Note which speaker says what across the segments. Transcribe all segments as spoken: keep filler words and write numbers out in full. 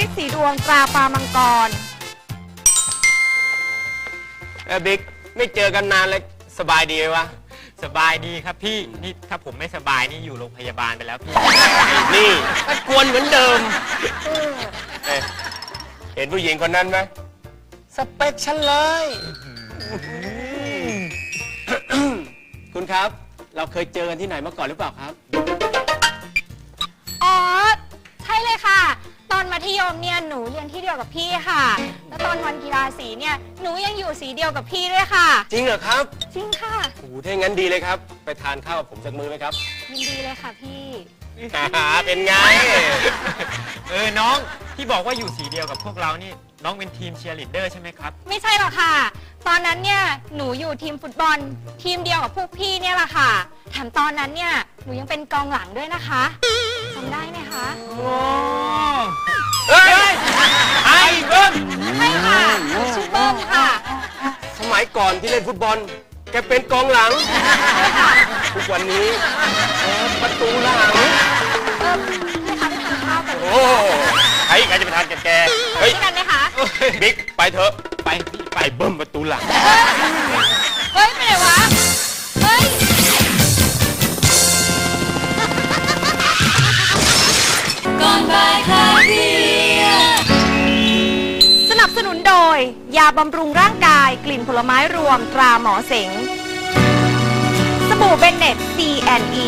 Speaker 1: ฤทธิ์สีดวงตราปลามังกร
Speaker 2: เออบิ๊กไม่เจอกันนานเลยสบายดีไหมวะ
Speaker 3: สบายดีครับพี่นี่ถ้าผมไม่สบายนี่อยู่โรงพยาบาลไปแล้วพี่
Speaker 2: นี่ก็กวนเหมือนเดิมเอ้เห็นผู้หญิงคนนั้นไหมสเปคฉันเลยคุณครับเราเคยเจอกันที่ไหนมาก่อนหรือเปล่าครับ
Speaker 1: อ๋อใช่เลยค่ะตอนมัธยมเนี่ยหนูเรียนที่เดียวกับพี่ค่ะแล้วตอนวันกีฬาสีเนี่ยหนูยังอยู่สีเดียวกับพี่ด้วยค่ะ
Speaker 2: จริงเหรอครับ
Speaker 1: จริงค่ะ
Speaker 2: โอ้โหถ้างั้นดีเลยครับไปทานข้าวกับผมสักมื้อไหมครับ
Speaker 1: ยินดีเลยค่ะพี่
Speaker 2: เป็นไง
Speaker 3: เออน้องที่บอกว่าอยู่สีเดียวกับพวกเรานี่น้องเป็นทีมเชียร์ลีดเดอร์ใช่ไหมครับ
Speaker 1: ไม่ใช่หรอกค่ะตอนนั้นเนี่ยหนูอยู่ทีมฟุตบอลทีมเดียวกับพวกพี่เนี่ยแหละค่ะแถมตอนนั้นเนี่ยหนูยังเป็นกองหลังด้วยนะคะจำได้ไหมคะ
Speaker 3: โอ้เฮ้ยไอ้เบิ้ม
Speaker 1: ใช่ค่ะหนูชื่อเบิ้มค่ะ
Speaker 2: สมัยก่อนที่เล่นฟุตบอลแกเป็นกองหลัง
Speaker 1: ใช่ค่ะ
Speaker 2: ทุกวันนี้ประตูหลัง
Speaker 1: เออให้คะไปทานข้าวกัน
Speaker 2: โอ้ใครใครจะไปทานกับแก
Speaker 1: เฮ้ยกันไหมคะ
Speaker 2: บิ๊กไปเถอะ
Speaker 3: ไปพี่
Speaker 2: ไปเบิ้มประตูหลัง
Speaker 1: เฮ้ยไปไหนวะเฮ้ยก่อนบ่ายคลายเครียดสนับสนุนโดยยาบำรุงร่างกายกลิ่นผลไม้รวมตราหมอเสงสบู่เบนเน็ต ซี แอนด์ อี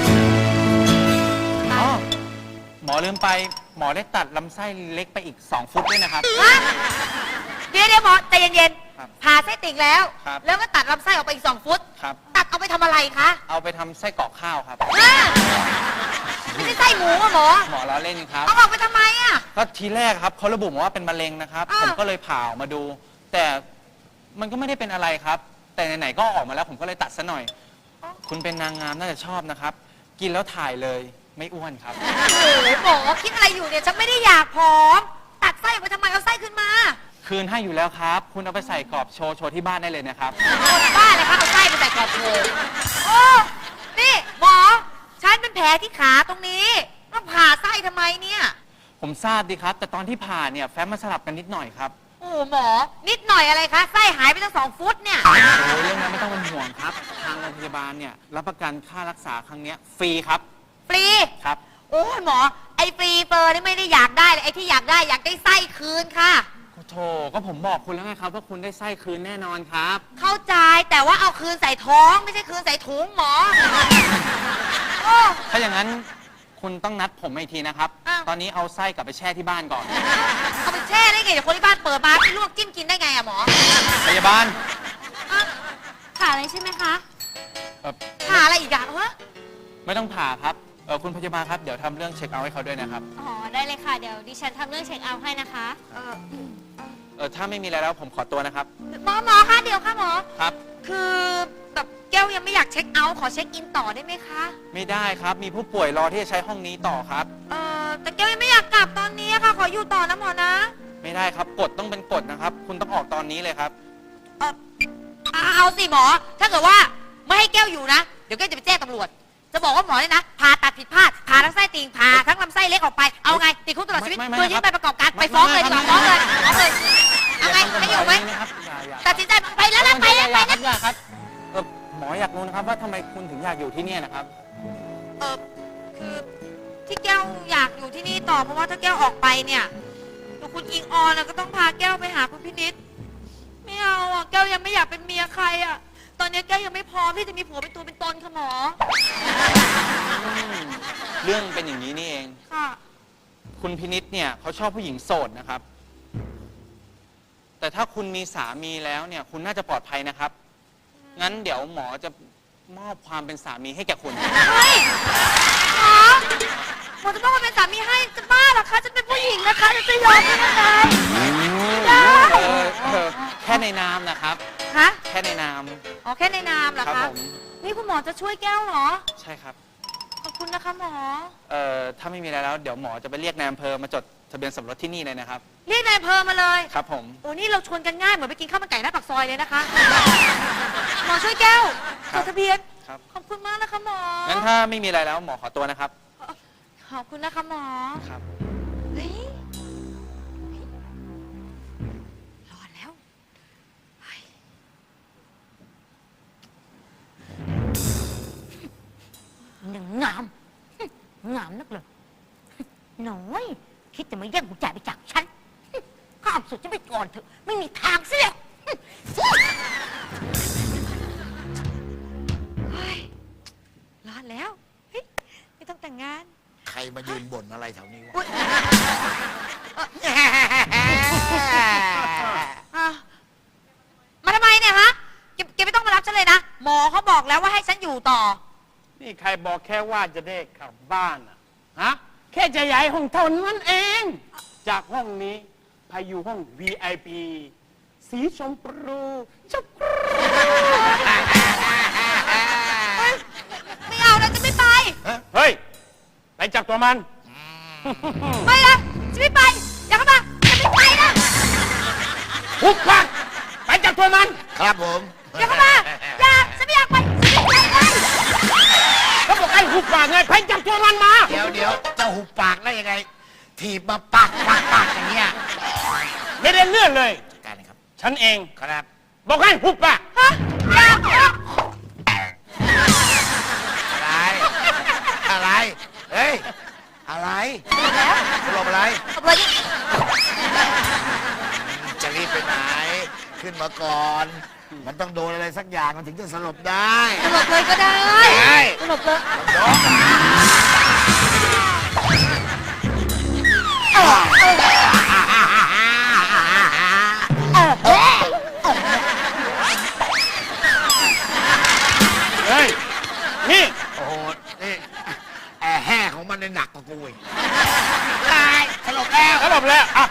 Speaker 4: อ๋อหมอลืมไปหมอได้ตัดลำไส้เล็กไปอีกสองฟุตด้วยนะครับ
Speaker 5: เดี๋ยวเดี๋ยวหมอใจเย็นๆผ่าไส้ติ่งแล้วแล้วก็ตัดลำไส้ออกไปอีกสองฟุตตัดเอาไปทำอะไรคะ
Speaker 4: เอาไปทำไส้กรอกข้าวครับ
Speaker 5: ไม่ใช่ไส้หมูอะหมอ
Speaker 4: หมอล้อเล่นครับ
Speaker 5: เอาออกไปทำไมอะ
Speaker 4: ก็ทีแรกครับเขาระบุมาว่าเป็นมะเร็งนะครับผมก็เลยผ่าออกมาดู แต่มันก็ไม่ได้เป็นอะไรครับแต่ไหนๆก็ออกมาแล้วผมก็เลยตัดซะหน่อยคุณเป็นนางงามน่าจะชอบนะครับกินแล้วถ่ายเลยไม่อ้วนครับ
Speaker 5: โอ้โหหมอคิดอะไรอยู่เนี่ยฉันไม่ได้อยากผอมตัดไส้ออกไปทำไมเอาไส้ขึ้นมา
Speaker 4: คืนให้อยู่แล้วครับคุณเอาไปใส่กรอบโชว์โชว์ที่บ้านได้เลยนะครับ
Speaker 5: บ้าเลยครับเอาไส้ไปใส่กรอบโชว์โอ้นี่หมอฉันเป็นแผลที่ขาตรงนี้ต้องผ่าไส้ทำไมเนี่ย
Speaker 4: ผมทราบดีครับแต่ตอนที่ผ่าเนี่ยแฟ้มมาสลับกันนิดหน่อยครับ
Speaker 5: โอ้หมอนิดหน่อยอะไรคะไส้หายไปตั้งสองฟุตเนี่ย
Speaker 4: โอ้เรื่องนั้นไม่ต้องเป็นห่วงครับทางโรงพยาบาลเนี่ยรับประกันค่ารักษาครั้งนี้ฟรีครับ
Speaker 5: ฟรี
Speaker 4: ครับ
Speaker 5: โอ้หมอไอ้ฟรีเฟอร์นี่ไม่ได้อยากได้เลยไอ้ที่อยากได้อยากได้ไส้คืนค่ะ
Speaker 4: โธ่ก็ผมบอกคุณแล้วไงครับว่าคุณได้ไส้คืนแน่นอนครับ
Speaker 5: เข้าใจแต่ว่าเอาคืนใส่ท้องไม่ใช่คืนใส่ถุงหมอ
Speaker 4: ถ้าอย่างนั้นคุณต้องนัดผมอีกทีนะครับตอนนี้เอาไส้กลับไปแช่ที่บ้านก่อน
Speaker 5: เอาไปแช่ได้ไงเดี๋ยวคนที่บ้านเปิดมาไปลวกจิ้มกินได้ไงอะหมอ
Speaker 4: พยาบาล
Speaker 1: ผ่าอะไรใช่ไหมคะ
Speaker 5: ผ่าอะไรอีกอะฮะ
Speaker 4: ไม่ต้องผ่าครับเออคุณพยาบาลครับเดี๋ยวทำเรื่องเช็คเอาท์ให้เขาด้วยนะครับ
Speaker 1: อ๋อได้เลยค่ะเดี๋ยวดิฉันทำเรื่องเช็คเอาท์ให้นะคะเออ
Speaker 4: เออถ้าไม่มีอะไรแล้วผมขอตัวนะครับ
Speaker 5: หมอหมอคะเดี๋ยวค่ะหมอ
Speaker 4: ครับ
Speaker 5: คือแบบแก้วยังไม่อยากเช็คเอาท์ขอเช็คอินต่อได้ไหมคะ
Speaker 4: ไม่ได้ครับมีผู้ป่วยรอที่จะใช้ห้องนี้ต่อครับ
Speaker 5: เออแต่แก้วยังไม่อยากกลับตอนนี้ค่ะขออยู่ต่อนะหมอนะ
Speaker 4: ไม่ได้ครับกฎต้องเป็นกฎนะครับคุณต้องออกตอนนี้เลยครับ
Speaker 5: เออเอาสิหมอถ้าเกิดว่าไม่ให้แก้วอยู่นะเดี๋ยวแก้วจะไปแจ้งตำรวจจะบอกว่าหมอเนี่ยนะผ่าตัดผิดพลาดผ่าทั้งไส้ติ่งผ่าทั้งลำไส้เล็กออกไปเอาไงติดคุกตลอดชีวิตตัวยื่นไปประกอบการไปฟ้องเลยดีกว่าฟ้องเลยฟ้องเลยเอาไงไม่อยู่ไหมตัดสินใจไปแล้วนะไปแล้วไปแล้ว
Speaker 4: ครับเออหมออยากรู้นะครับว่าทำไมคุณถึงอยากอยู่ที่นี่นะครับ
Speaker 5: เออคือที่แก้วอยากอยู่ที่นี่ต่อเพราะว่าถ้าแก้วออกไปเนี่ยคุณอิงออนก็ต้องพาแก้วไปหาคุณพินิจไม่เอาอ่ะแก้วยังไม่อยากเป็นเมียใครอ่ะตอนนี้แก้วยังไม่พร้อมที่จะมีผัวเป็นตัวเป็นตนค่ะหมอ
Speaker 4: เรื่องเป็นอย่างนี้นี่เอง
Speaker 5: ค่ะ
Speaker 4: คุณพินิจเนี่ยเขาชอบผู้หญิงโสดนะครับแต่ถ้าคุณมีสามีแล้วเนี่ยคุณน่าจะปลอดภัยนะครับงั้นเดี๋ยวหมอจะมอบความเป็นสามีให้แก่คุณ
Speaker 5: เฮ้ยหมอหมอจะต้องมาเป็นสามีให้จะบ้าเหรอคะจะเป็นผู้หญิงนะคะจะยอมได้ยังไง
Speaker 4: แค่ในนามนะครับ
Speaker 5: ฮะ
Speaker 4: แค่ในนาม
Speaker 5: อ๋อแค่ในนามเหรอคะนี่คุณหมอจะช่วยแก้วเหรอ
Speaker 4: ใช่ครับ
Speaker 5: ขอบคุณนะคะหมอ
Speaker 4: เอ่อถ้าไม่มีอะไรแล้วเดี๋ยวหมอจะไปเรียกนายอำเภอมาจดทะเบียนสมรสที่นี่เลยนะครับ
Speaker 5: เรียกนายอำเภอมาเลย
Speaker 4: ครับผม
Speaker 5: โอ้นี่เราชวนกันง่ายเหมือนไปกินข้าวมันไก่หน้าปากซอยเลยนะคะหมอช่วยแก้วจดทะเบียน
Speaker 4: ครับ
Speaker 5: ขอบคุณมากนะคะหมอ
Speaker 4: งั้นถ้าไม่มีอะไรแล้วหมอขอตัวนะครับ
Speaker 5: ขอบคุณนะคะหมอ
Speaker 4: ครับ
Speaker 5: เฮ้ยามนักเลยน้อยคิดจะมาแย่งกุญแจไปจากฉันข้ามสุดจะไปก่อนเถอะไม่มีทางเสียรอดแล้วเฮ้ยไม่ต้องแต่งงาน
Speaker 6: ใครมายืนบ่นอะไรแถวนี้วะ
Speaker 5: อุ๊ยอ่ะมาทำไมเนี่ยฮะแกแกไม่ต้องมารับฉันเลยนะหมอเขาบอกแล้วว่าให้ฉันอยู่ต่อ
Speaker 2: นี่ใครบอกแค่ว่าจะได้กลับบ้านอะฮะ แค่จะย้ายห้องเท่านั้นเอง จากห้องนี้ไปอยู่ห้อง วี ไอ พี สีชมพูชมพู
Speaker 5: ไม่เอานะจะไม่ไป
Speaker 2: เฮ้ย ไปจับตัวมัน
Speaker 5: ไม่นะจะไม่ไปอย่าเข้ามาจะไม่ไปนะ
Speaker 2: หุบปากไปจับตัวมัน
Speaker 6: ครับผม
Speaker 5: อย่าเข้ามาอย่าฉันไม่อยากไปฉันไม่อยากไป
Speaker 2: เขาบอกให้หุบปากไงไปจับตัวมันมา
Speaker 6: เดี๋ยวเดี๋ยวจะหุบปากได้ยังไง ถีบมาปักปักปักอย่างเงี้ย
Speaker 2: ไม่ได้เลื่อนเลย
Speaker 6: จัดการนะครับ
Speaker 2: ฉันเอง
Speaker 6: ครับ
Speaker 2: บอกให้หุบปาก
Speaker 5: ฮะอย่าอย่า
Speaker 6: อะไร อะไร เฮ้ย อะไรสลบอะไร
Speaker 5: เอาเลย
Speaker 6: จะรีบไปไหน ขึ้นมาก่อน มันต้องโดนอะไรสักอย่างมันถึงจะสลบได้
Speaker 5: สลบเลยก็ได้
Speaker 6: ใช่
Speaker 5: สลบเลย
Speaker 6: ยก
Speaker 2: เฮ้ย นี่
Speaker 6: โอ้โห นี่ แอร์แห่ของมันเนี่ยหนักกว่ากูอีกตายสลบแล้ว
Speaker 2: แล้วบอกแล้วอ่ะ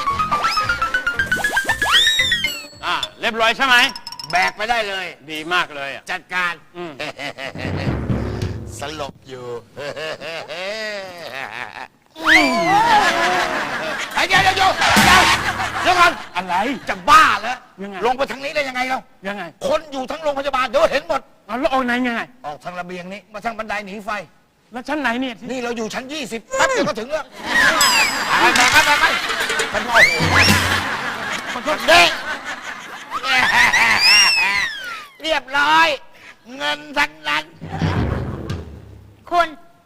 Speaker 2: อ่ะเรียบร้อยใช่ไหม
Speaker 6: แบกไปได้เลย
Speaker 2: ดีมากเลยอ่ะ
Speaker 6: จัดการ
Speaker 2: อืม
Speaker 6: สลบอยู่ ไอ้เดี๋ยวเดี๋ยวเดี๋ยวเดี๋ยวเดี๋ยวก่อน
Speaker 2: อะไร
Speaker 6: จะบ้าแล้ว
Speaker 2: ยังไง
Speaker 6: ลงไปทางนี้ได้ยังไงเรา
Speaker 2: ยังไง
Speaker 6: คนอยู่ทั้งโรงพยาบาลเดี๋ยวเห็นหมด
Speaker 2: เอาแล้วออกไหนยังไง
Speaker 6: ออกทางระเบียงนี้ มาทางบันไดหนีไฟ
Speaker 2: แล้วชั้นไหนเนี่ยที่
Speaker 6: นี่เราอยู่ชั้นยี่สิบแป๊บเดียวก็ถึงแล้วไปไปไปไปไปมันโอ้โหมันก็เด็กเรียบร้อย เงินทั้งนั้น
Speaker 5: คุณ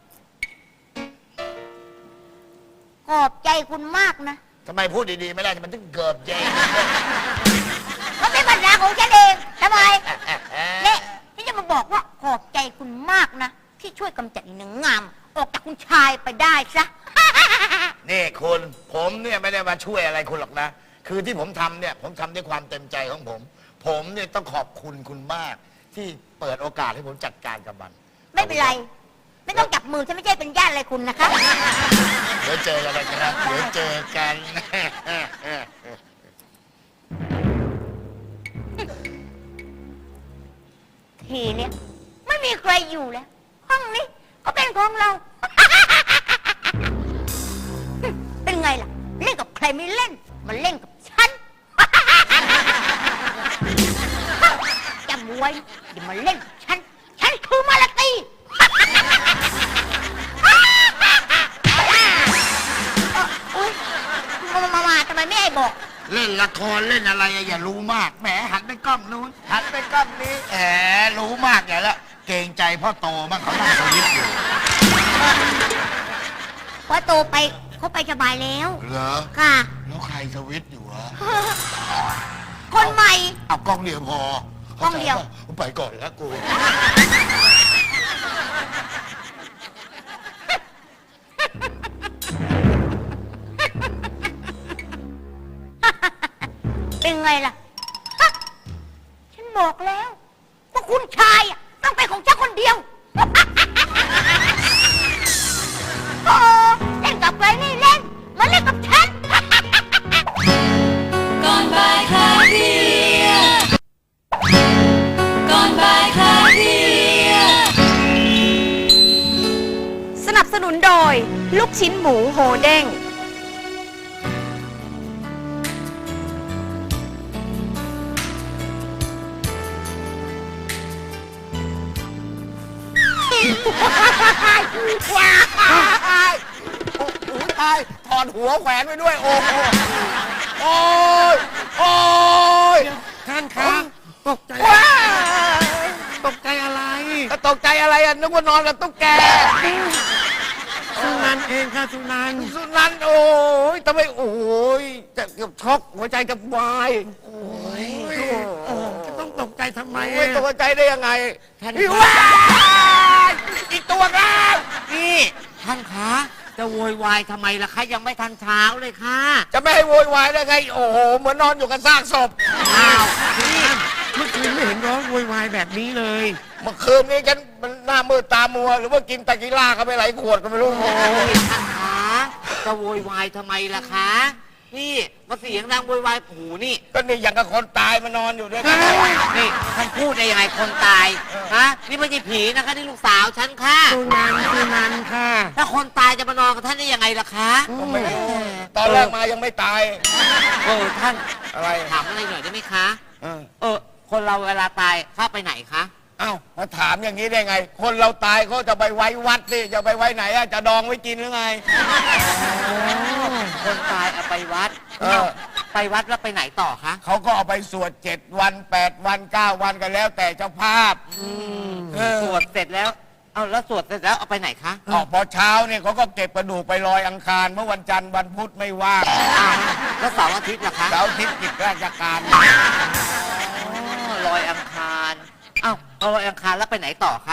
Speaker 5: ขอบใจคุณมากนะ
Speaker 6: ทำไมพูดดีๆไม่ได้มันถึงเกิดเจง
Speaker 5: มันเป็นปัญหาของฉันเองทำไมเนี่ยที่จะมาบอกว่าขอบใจคุณมากนะที่ช่วยกำจัดอีหนังงาม ออกจากคุณชายไปได้ซะ
Speaker 6: นี่คุณผมเนี่ยไม่ได้มาช่วยอะไรคุณหรอกนะ คือที่ผมทำเนี่ยผมทำด้วยความเต็มใจของผม ผมเนี่ยต้องขอบคุณคุณมาก ที่เปิดโอกาสให้ผมจัดการกับมัน
Speaker 5: ไม่เป็นไร ไม่ต้องจับมือฉันไม่ใช่เป็นญาติอะไรคุณนะคะ
Speaker 6: เดี๋ยวเจอกันนะครับเดี๋ยวเจอกัน
Speaker 5: ทีเนี้ยไม่มีใครอยู่แล้ว ห้องนี้ก็เป็นของเรา เป็นไงล่ะ เล่นกับใครไม่เล่น มันเล่นกับฉัน จำไว้อย่ามาเล่นกับฉัน ฉันคือมาลาตี อุ๊ยมามามาทำไมไม่ให้บอก
Speaker 6: เล่นละครเล่นอะไรอะอย่ารู้มากแหมหันไปกล้องนู้นหันไปกล้องนี้แหมรู้มากอย่าละเกรงใจพ่อโตบ้างเขานั่งสวิตช์อยู่
Speaker 5: เพราะโตไปเขาไปสบายแล้ว
Speaker 6: เหรอ
Speaker 5: ค่ะ
Speaker 6: แล้วใครสวิตช์อยู่วะ
Speaker 5: คนใหม่
Speaker 6: เอากล้องเดียวพอก
Speaker 5: ล้องเดียว
Speaker 6: ไปก่อนแล้วกู
Speaker 5: เป็นไงล่ะฮะฉันบอกแล้วว่าคุณชายอะต้องเป็นของฉันคนเดียว โอ้เล่นกับใครไม่เล่น มาเล่นกับฉัน
Speaker 1: ก่อนบ่ายคลายเครียดก่อนบ่ายคลายเครียดสนับสนุนโดย ลูกชิ้นหมูโฮเด้ง
Speaker 6: ว้ายโอ้โหตายถอดหัวแขวนไว้ด้วย โอ้โหโอ้ยโอ้ย
Speaker 2: ท่านครับตกใจ
Speaker 6: ว้าย
Speaker 2: ตกใจอะไร
Speaker 6: ตกใจอะไรอ่ะนึกว่านอนกับตุ๊กแก
Speaker 2: สุนันท์เองค่ะสุนันท์
Speaker 6: สุนันท์โอ้ยทำไมโอ้ยจะเกือบช็อกหัวใจจะวายโอ้ย
Speaker 2: จะต้องตกใจทำไม
Speaker 6: ไม่ตกใจได้ยังไง
Speaker 5: ท่าน
Speaker 6: พี่
Speaker 5: คะ
Speaker 6: ว้ายอีกตัวแล้ว
Speaker 5: นี่ท่านคะจะโวยวายทำไมล่ะคะยังไม่ทันเช้าเลยค่ะ
Speaker 6: จะไม่ให้โวยวายได้ไง โอ้โห เหมือนนอนอยู่กับซากศพ
Speaker 5: อ้าว
Speaker 2: เมื่อคืนไม่เห็นร้องโวยวายแบบนี้เลย
Speaker 6: เมื่อคืนนี้ฉันมันหน้ามืดตามัว หรือว่ากินตะกิล่าเข้าไปหลายขวดก็ไม่รู้โอ้ย
Speaker 5: ท่านคะจะโวยวายทำไมล่ะคะนี่มาเสียงดังโวยวายโอ้โหนี่
Speaker 6: ก็นี่อย่างกับคนตายมานอนอยู่ด้วยกัน
Speaker 5: นี่ท่านพูดได้ยังไงคนตายฮะนี่ไม่ใช่ผีนะคะนี่ลูกสาวฉันค่ะ
Speaker 2: สุนันท์สุนันท์ค่ะ
Speaker 5: ถ้าคนตายจะมานอนกับท่านได้ยังไงล่ะคะ
Speaker 6: ก็ไม่รู้ตอนแรกมายังไม่ตาย
Speaker 5: เออท่าน
Speaker 6: อะไร
Speaker 5: ถามอะไรหน่อยได้ไหมคะ
Speaker 6: เออ
Speaker 5: เออ คนเราเวลาตายเข้าไปไหนคะ
Speaker 6: เอ้ามาถามอย่างนี้ได้ไง คนเราตายเขาจะไปไว้วัดสิจะไปไว้ไหนอะจะดองไว้กินหรือไง
Speaker 5: คนตายเอาไปวัด
Speaker 6: เออ
Speaker 5: ไปวัดแล้วไปไหนต่อคะ
Speaker 6: เขาก็เอาไปสวดเจ็ดวันแปดวันเก้าวันกันแล้ว แต่เจ้าภาพเออ
Speaker 5: สวดเสร็จแล้วเอาแล้วสวดเสร็จแล้วเอาไปไหนคะ
Speaker 6: ออกพอเช้าเนี่ยเขาก็เก็บกระดูกไปลอยอังคารเมื่อวันจันทร์วันพุธไม่ว่าง
Speaker 5: อ้าวแล้วเสาร์อาทิตย์ล่ะคะ
Speaker 6: เสาร์อาทิตย์กิจราชการ
Speaker 5: อ๋อลอยอังคารอ้าวเอาลอยอังคารแล้วไปไหนต่อคะ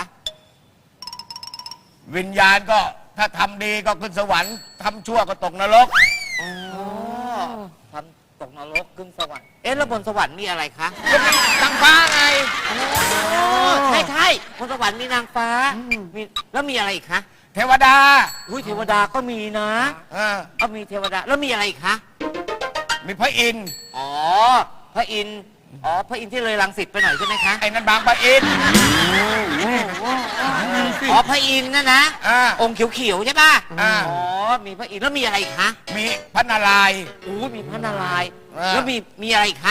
Speaker 6: วิญญาณก็ถ้าทำดีก็ขึ้นสวรรค์ทำชั่วก็ตกนรก
Speaker 5: อ๋อทำตกนรกขึ้นสวรรค์เอ๊ะแล้วบนสวรรค์มีอะไรคะ
Speaker 6: ก็มีนางฟ้าไง
Speaker 5: ใช่ใช่บนสวรรค์มีนางฟ้ามีแล้วมีอะไรอีกคะ
Speaker 6: เทวดา
Speaker 5: อุ้ยเทวดาก็มีนะ
Speaker 6: อ่า
Speaker 5: ก็มีเทวดาแล้วมีอะไรอีกคะ
Speaker 6: มีพระอินทร์
Speaker 5: อ๋อ พระอินทร์อ๋อ พระอินทร์ที่เลยรังสิตไปหน่อยใช่ไหมคะ
Speaker 6: ไอ้นั่นบางพระอินทร์
Speaker 5: อ๋อ พระอินทร์นะนะ
Speaker 6: อ่า
Speaker 5: องค์เขียวๆใช่ป่ะ
Speaker 6: อ่า
Speaker 5: อ๋อ มีพระอินทร์แล้วมีอะไรอีกคะ
Speaker 6: มีพระนารายณ์
Speaker 5: อู้มีพระนารายณ์
Speaker 6: อ่า
Speaker 5: แล้วมีมีอะไรอีกคะ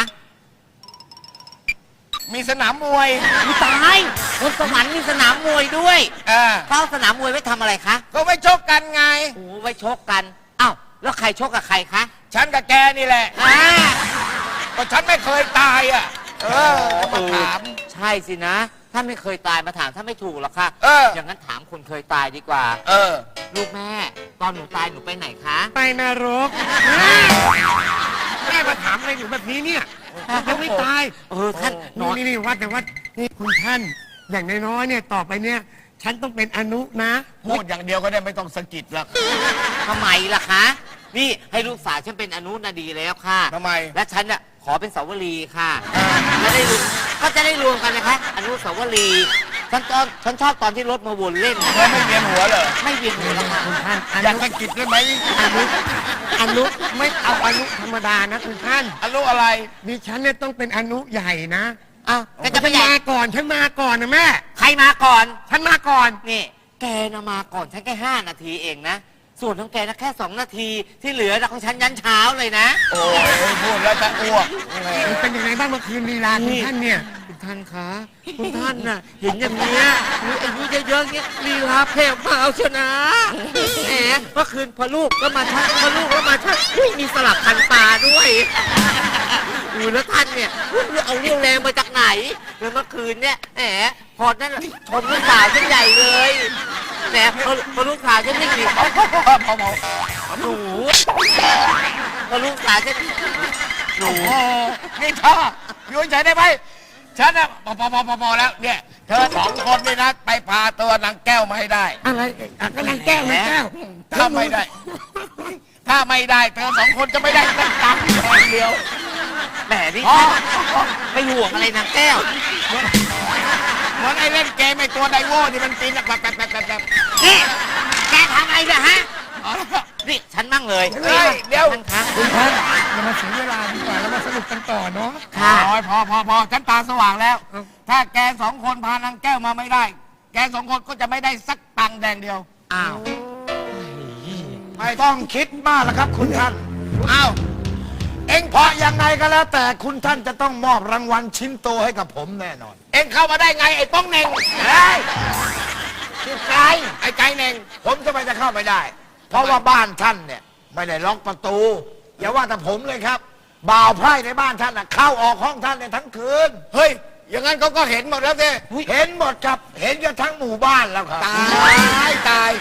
Speaker 6: มีสนามมวย
Speaker 5: มีตายบนสวรรค์มีสนามมวยด้วย
Speaker 6: อ่า
Speaker 5: เข้าสนามมวยไว้ทำอะไรคะ
Speaker 6: ก็ไว้ชกกันไง
Speaker 5: โอ้ไว้ชกกันอ้าวแล้วใครชกกับใครคะ
Speaker 6: ฉันกับแกนี่แหละ
Speaker 5: อ่า
Speaker 6: ก็ฉันไม่เคยตายอ่ะ เออก็มาถาม
Speaker 5: ใช่สินะถ้าไม่เคยตายมาถามถ้าไม่ถูกหรอกค่ะ
Speaker 6: เออ
Speaker 5: อย่างนั้นถามคนเคยตายดีกว่า
Speaker 6: เออ
Speaker 5: ลูกแม่ ตอนหนูตายหนูไปไหนคะ
Speaker 2: ไปนรกแม่มาถามอะไรอยู่แบบนี้เนี่ยยังไม่ตาย
Speaker 5: เออท่านนอน
Speaker 2: นี่นี่วัดแต่ว่านี่คุณท่าน อย่างน้อยๆเนี่ยต่อไปเนี่ย ฉันต้องเป็นอนุนะ
Speaker 6: พูดอย่างเดียวก็ได้ไม่ต้องสะกิดหรอก
Speaker 5: ทำไมล่ะคะ นี่ให้ลูกสาวฉันเป็นอนุนาดีแล้วค่ะ
Speaker 6: ทำไม
Speaker 5: และฉันน่ะขอเป็นสาวรีค่ะจะได้รวมก็จะได้รวมกันนะคะ อนุสาวรีย์ฉันตอนฉันชอบตอนที่รถมาวนเล่น
Speaker 6: เธอไม่เวียนหัวเหรอ
Speaker 5: ไม่เวียนหัวแล้วค่ะ
Speaker 2: คุณท่านอ
Speaker 6: อยาก
Speaker 2: นุ
Speaker 6: สะกิดได้ไหม
Speaker 2: อนุอนุไม่เอาอนุธรรมดานะคุณท่าน
Speaker 6: อนุอะไร
Speaker 2: ดิฉันเนี่ยต้องเป็นอนุใหญ่นะ
Speaker 5: อ้าวแกจะไป
Speaker 2: ฉัน
Speaker 5: ใหญ่
Speaker 2: มาก่อนฉันมาก่อนนะแม่
Speaker 5: ใครมาก่อน
Speaker 2: ฉันมาก่อน
Speaker 5: นี่แกนะมาก่อนฉันแค่ห้านาทีเองนะ ส่วนของแกนะแค่สองนาทีที่เหลือนะของฉันยันเช้าเลยนะ
Speaker 6: โอ้ยพูดแล้วจะอ้วกแหม
Speaker 2: มันเป็นยังไงบ้างเมื่อคืนลีลาคุณท่านเนี่ย
Speaker 5: คุณท่านคะคุณท่านน่ะเห็นอย่างเนี้ยมีอายุเยอะๆเงี้ยลีลาแผ่วเบาเชียวนะแหมเมื่อคืนพอลูกก็มาชักพอลูกก็มาชักอุ้ยมีสลับพันตาด้วยอูแล้วท่านเนี่ยเอาเรี่ยวแรงมาจากไหนแล้วเมื่อคืนเนี่ยแหมพอนั่นชมลูกสาวฉันใหญ่เลยแหมพอพอลูกสาวฉันวิ่งหนี
Speaker 6: พอพอพอพอ
Speaker 5: หนูพอลูกสาวฉันหนู
Speaker 6: โอ้นี่ชอบอยู่เฉยได้ไหมฉันอะพอพอพอพอพอแล้วเนี่ย เธอสองคนนี่นะไปพาตัวนางแก้วมาให้ได้
Speaker 2: อะไรอ่ะก็นางแก้วนางแก้ว
Speaker 6: ถ้าไม่ได้ ถ้าไม่ได้ เธอสองคนจะไม่ได้สักตังค์เดียว
Speaker 5: แหมนี่
Speaker 6: อ๋อ
Speaker 5: ไม่ห่วงอะไรนางแก้ว
Speaker 6: เหมือนไอ้เล่นเกมไอ้ตัวไดโว่ที่มันปีนแบบแบบแบบแบบแบบ
Speaker 5: นี่แกทำอะไรเนี่ยฮะ
Speaker 6: อ๋อ
Speaker 5: นี่ฉันมั่งเลย
Speaker 6: เฮ้ยเดี๋ยว
Speaker 5: ท่านคะ
Speaker 2: คุณท่านอย่ามาเสียเวลาดีกว่าแล้วมาสนุกกันต่อเนาะ
Speaker 5: ค่ะ
Speaker 6: โอ้ยพอพอพอฉันตาสว่างแล้ว ถ้าแกสองคนพานางแก้วมาไม่ได้ แกสองคนก็จะไม่ได้สักตังค์แดงเดียว
Speaker 5: อ้าว
Speaker 6: ไม่ต้องคิดมากแล้วครับ คุณท่าน อ้าว เอ็งเพราะยังไงก็แล้ว แต่คุณท่านจะต้องมอบรางวัลชิ้นโตให้กับผมแน่นอน เอ็งเข้ามาได้ไงไอ้ป้องเน่งเฮ้ยชื่อไก่ไอ้ไก่เน่ง ผมจะไม่จะเข้าไปได้ เพราะว่าบ้านท่านเนี่ยไม่ได้ล็อกประตู อย่าว่าแต่ผมเลยครับ บ่าวไพร่ในบ้านท่านน่ะเข้าออกห้องท่านเนี่ยทั้งคืน เฮ้ย อย่างนั้นเขาก็เห็นหมดแล้วสิเห็นหมดครับ เห็นกันทั้งหมู่บ้านแล้วครับ ตายตาย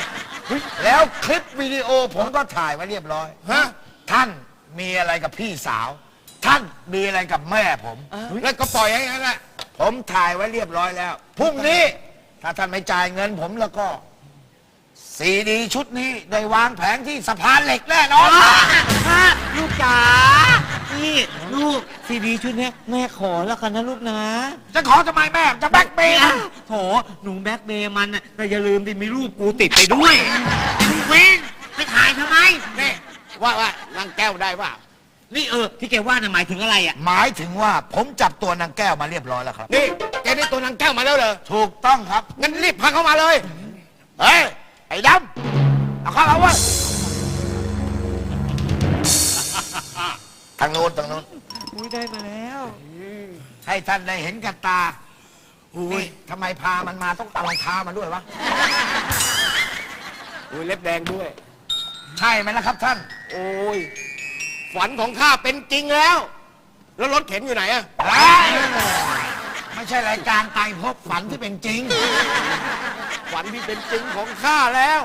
Speaker 6: แล้วคลิปวิดีโอผมก็ถ่ายไว้เรียบร้อย
Speaker 2: ฮะ
Speaker 6: ท่านมีอะไรกับพี่สาว ท่านมีอะไรกับแม่ผม
Speaker 2: แล้วก็ปล่อยให้งั้นแหละ
Speaker 6: ผมถ่ายไว้เรียบร้อยแล้ว พรุ่งนี้ ถ้าท่านไม่จ่ายเงินผมแล้วก็ ซีดีชุดนี้ได้วางแผงที่สะพานเหล็กแน่นอน
Speaker 7: ลูกจ๋า นี่ลูกซีดีชุดเนี้ยแม่ขอแล้วกันนะลูกนะ
Speaker 6: จะขอทำไมแม่ จะแบล็กเมย์นะ
Speaker 7: โถหนูแบ็คเมย์มันน่ะแต่อย่าลืมดิมีรูปกูติดไปด้วยเว้นไปถ่ายทำไม
Speaker 2: นี่ว่าว่านางแก้วได้ว่า
Speaker 7: นี่เออที่แกว่าน่ะหมายถึงอะไรอ่ะ
Speaker 6: หมายถึงว่าผมจับตัวนางแก้วมาเรียบร้อยแล้วครับ
Speaker 2: นี่แกได้ตัวนางแก้วมาแล้วเหรอ
Speaker 6: ถูกต้องครับ
Speaker 2: งั้นรีบพาเข้ามาเลย
Speaker 6: เฮ้ย ไอ้ดำเอาเข้าเอาวะทางโน้นทางโน้น
Speaker 7: อุ้ยได้มาแล้ว
Speaker 6: ให้ท่านได้เห็นกับตาอุ้ยทำไมพามันมาต้องเอารองเท้ามาด้วยวะ
Speaker 2: อุ้ยเล็บแดงด้วย
Speaker 6: ใช่ไหมล่ะครับท่าน
Speaker 2: โอ้ย ฝันของข้าเป็นจริงแล้ว แล้วรถเข็นอยู่ไหนอะ
Speaker 6: เฮ้ยไม่ใช่รายการไตรภพฝันที่เป็นจริง
Speaker 2: ฝันที่เป็นจริงของข้าแล้ว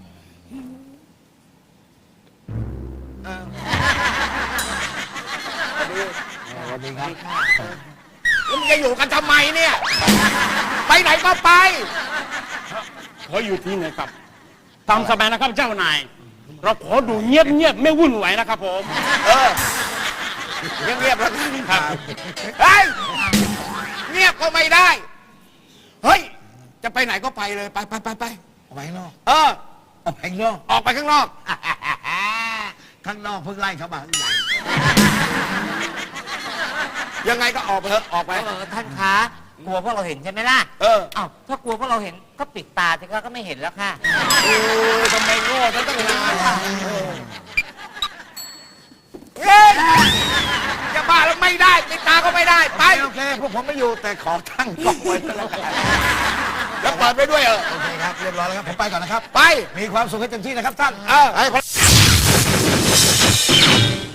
Speaker 2: สวัสดีครับแล้วมึงจะอยู่กันทำไมเนี่ย ไปไหนก็ไปขออยู่ที่ไหนครับตามสบายนะครับเจ้านาย เราขอดูเงียบเงียบๆไม่วุ่นวายนะครับผม เออ เงียบเงียบๆแล้วกันครับ เฮ้ย เงียบก็ไม่ได้ เฮ้ย จะไปไหนก็ไปเลย ไปไปไปไป
Speaker 6: ออกไปข้างนอก
Speaker 2: เออ
Speaker 6: ออกไปข้างนอก
Speaker 2: ออกไปข้างนอก
Speaker 6: ข้างนอกเพิ่งไล่เขามาข้างใน
Speaker 2: ยังไงก็ออกไปเถอะ ออกไป
Speaker 7: เออท่านคะกลัวพวกเราเห็นใช่ไหมล่ะ
Speaker 2: เออ
Speaker 7: อ้าวถ้ากลัวพวกเราเห็นก็ปิดตาสิคะก็ไม่เห็นแล้วค่ะ
Speaker 2: โอ้ยทำไมโง่ซะตั้งนานเฮ้ยจะบ้าแล้วไม่ได้ปิดตาก็ไม่ได้ ไป
Speaker 6: โอเคโอเคพวกผมไม่อยู่แต่ขอตั้งกล้องไว้ก็แล้วกัน
Speaker 2: แล้วเปิดไปด้วยเออ
Speaker 6: โอเคครับเรียบร้อยแล้วครับผมไปก่อนนะครับ
Speaker 2: ไป
Speaker 6: มีความสุขให้เต็มที่นะครับท่าน
Speaker 2: เออ
Speaker 6: ให้